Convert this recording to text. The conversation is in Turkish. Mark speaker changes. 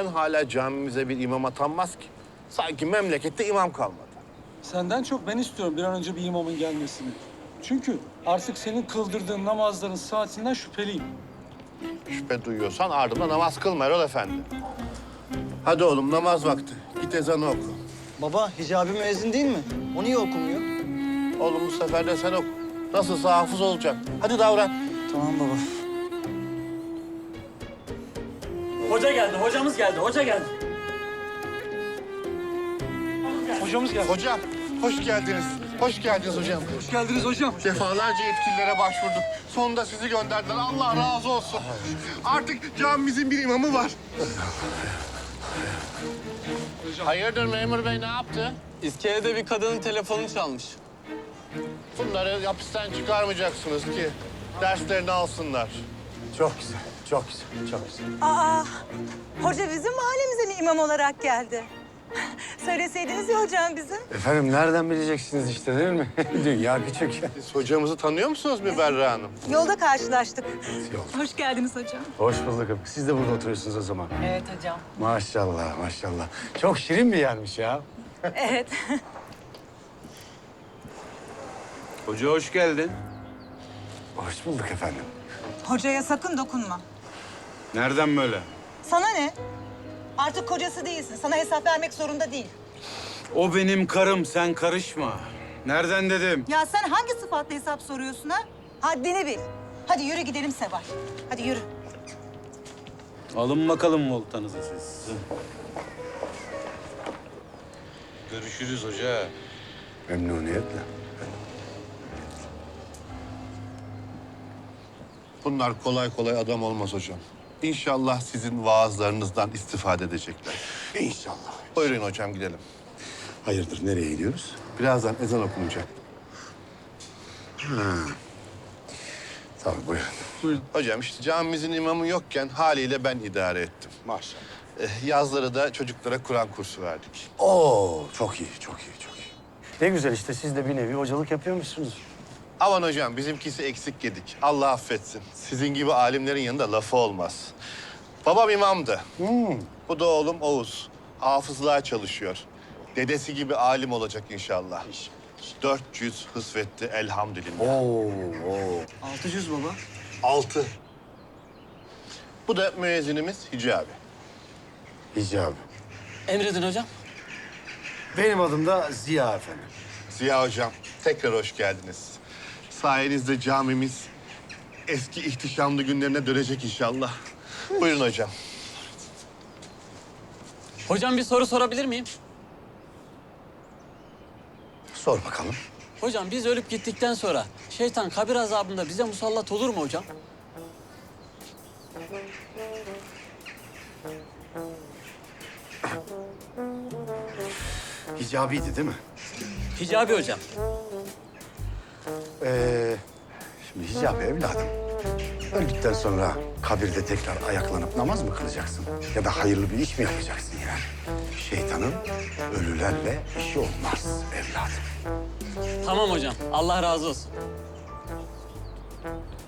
Speaker 1: hala camimize bir imam atanmaz ki? Sanki memlekette imam kalmadı.
Speaker 2: Senden çok ben istiyorum bir an önce bir imamın gelmesini. Çünkü artık senin kıldırdığın namazların saatinden şüpheliyim.
Speaker 1: Şüphe duyuyorsan ardımda namaz kılma Erol Efendi. Hadi oğlum namaz vakti. Git ezanı oku.
Speaker 3: Baba, Hicabi müezzin değil mi? O niye okumuyor?
Speaker 1: Oğlum bu sefer de sen oku. Nasılsa hafız olacak. Hadi davran.
Speaker 3: Tamam baba.
Speaker 4: Hoca geldi, hocamız geldi, hoca geldi.
Speaker 2: Hocamız geldi.
Speaker 1: Hocam, hoş geldiniz. Hoş geldiniz hocam.
Speaker 2: Hoş geldiniz hocam.
Speaker 1: Defalarca yetkililere başvurduk. Sonunda sizi gönderdiler. Allah razı olsun. Artık camimizin bir imamı var. Hayırdır memur bey ne yaptı?
Speaker 5: İskelede bir kadının telefonu çalmış.
Speaker 1: Bunları hapisten çıkarmayacaksınız ki derslerini alsınlar.
Speaker 6: Çok güzel, çok güzel, çok güzel.
Speaker 7: Aa, hoca bizim mahallemize mi imam olarak geldi? Söyleseydiniz ya hocam bizim.
Speaker 6: Efendim nereden bileceksiniz işte değil mi? Dünya küçük.
Speaker 1: Siz hocamızı tanıyor musunuz Müberra Hanım?
Speaker 7: Yolda karşılaştık.
Speaker 6: Yok.
Speaker 7: Hoş geldiniz hocam.
Speaker 6: Hoş bulduk. Siz de burada oturuyorsunuz o zaman.
Speaker 7: Evet hocam.
Speaker 6: Maşallah, maşallah. Çok şirin bir yermiş ya.
Speaker 7: Evet.
Speaker 5: Hoca hoş geldin.
Speaker 6: Hoş bulduk efendim.
Speaker 7: Hocaya sakın dokunma.
Speaker 5: Nereden böyle?
Speaker 7: Sana ne? Artık kocası değilsin. Sana hesap vermek zorunda değil.
Speaker 5: O benim karım, sen karışma. Nereden dedim?
Speaker 7: Ya sen hangi sıfatla hesap soruyorsun ha? Haddini bil. Hadi yürü gidelim Seval. Hadi yürü.
Speaker 5: Alın bakalım voltanızı siz. Görüşürüz hoca.
Speaker 6: Memnuniyetle.
Speaker 1: Bunlar kolay kolay adam olmaz hocam. İnşallah sizin vaazlarınızdan istifade edecekler.
Speaker 6: İnşallah.
Speaker 1: Buyurun hocam gidelim.
Speaker 6: Hayırdır, nereye gidiyoruz?
Speaker 1: Birazdan ezan okunacak.
Speaker 6: Tamam, buyurun.
Speaker 1: Hocam işte camimizin imamı yokken haliyle ben idare ettim.
Speaker 6: Maşallah.
Speaker 1: Yazları da çocuklara Kur'an kursu verdik.
Speaker 6: Oo, çok iyi, çok iyi, çok iyi. Ne güzel işte, siz de bir nevi hocalık yapıyormuşsunuz.
Speaker 1: Aman hocam bizimkisi eksik yedik. Allah affetsin. Sizin gibi alimlerin yanında lafı olmaz. Babam imamdı. Bu da oğlum Oğuz. Hafızlığa çalışıyor. Dedesi gibi alim olacak inşallah. 400 hısvetti elhamdülillah.
Speaker 6: Oo.
Speaker 3: 600 baba.
Speaker 1: 6. Bu da müezzinimiz Hicabi.
Speaker 6: Hicabi.
Speaker 4: Emredin hocam.
Speaker 6: Benim adım da Ziya efendim.
Speaker 1: Ziya hocam tekrar hoş geldiniz. Sayenizde camimiz eski ihtişamlı günlerine dönecek inşallah. Buyurun hocam.
Speaker 4: Hocam bir soru sorabilir miyim?
Speaker 6: Sor bakalım.
Speaker 4: Hocam biz ölüp gittikten sonra şeytan kabir azabında bize musallat olur mu hocam?
Speaker 6: Hicabiydi değil mi?
Speaker 4: Hicabi hocam.
Speaker 6: Şimdi Hicabi evladım. Öldükten sonra kabirde tekrar ayaklanıp namaz mı kılacaksın? Ya da hayırlı bir iş mi yapacaksın yani? Şeytanın ölülerle işi olmaz evladım.
Speaker 4: Tamam hocam. Allah razı olsun.